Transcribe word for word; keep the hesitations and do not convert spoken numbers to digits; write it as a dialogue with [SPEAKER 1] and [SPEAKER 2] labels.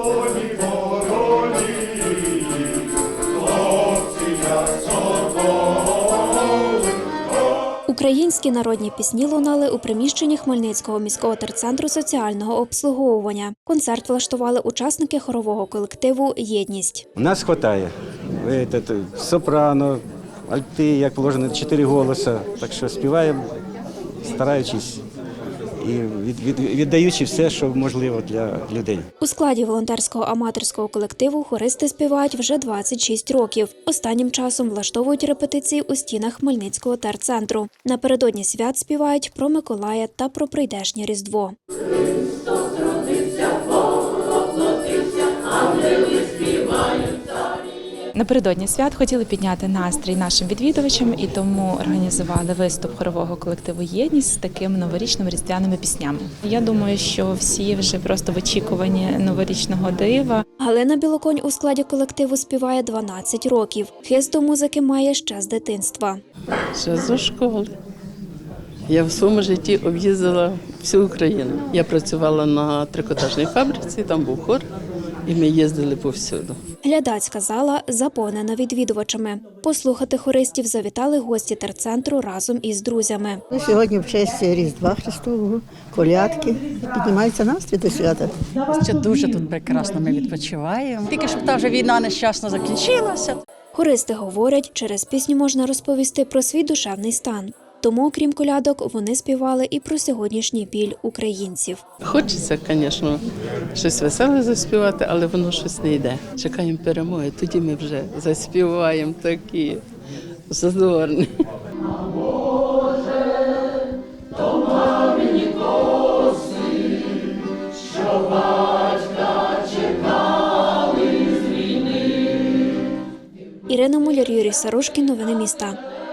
[SPEAKER 1] Українські народні пісні лунали у приміщенні Хмельницького міського терцентру соціального обслуговування. Концерт влаштували учасники хорового колективу «Єдність».
[SPEAKER 2] У нас вистачає сопрано, альти, як положено, чотири голоси. Так що співаємо, стараючись і віддаючи все, що можливо для людей.
[SPEAKER 1] У складі волонтерського аматорського колективу хористи співають вже двадцять шість років. Останнім часом влаштовують репетиції у стінах Хмельницького терцентру. Напередодні свят співають про Миколая та про прийдешнє Різдво.
[SPEAKER 3] Напередодні свят хотіли підняти настрій нашим відвідувачам і тому організували виступ хорового колективу «Єдність» з такими новорічними різдвяними піснями. Я думаю, що всі вже просто в очікуванні новорічного дива.
[SPEAKER 1] Галина Білоконь у складі колективу співає дванадцять років. Хист до музики має ще з дитинства.
[SPEAKER 4] Ще зі школи. Я в своєму житті об'їздила всю Україну. Я працювала на трикотажній фабриці, там був хор, і ми їздили повсюду.
[SPEAKER 1] Глядацька зала заповнена відвідувачами. Послухати хористів завітали гості терцентру разом із друзями.
[SPEAKER 5] Сьогодні в честь Різдва Христового, колядки, піднімається настрій до свята.
[SPEAKER 6] Що дуже тут прекрасно ми відпочиваємо. Тільки щоб та вже війна нещасно закінчилася.
[SPEAKER 1] Хористи говорять, через пісню можна розповісти про свій душевний стан. Тому, окрім колядок, вони співали і про сьогоднішній біль українців.
[SPEAKER 4] Хочеться, звісно, щось веселе заспівати, але воно щось не йде. Чекаємо перемоги, тоді ми вже заспіваємо такі задорні.
[SPEAKER 1] Ірина Муляр, Юрій Сарушкін. Новини міста.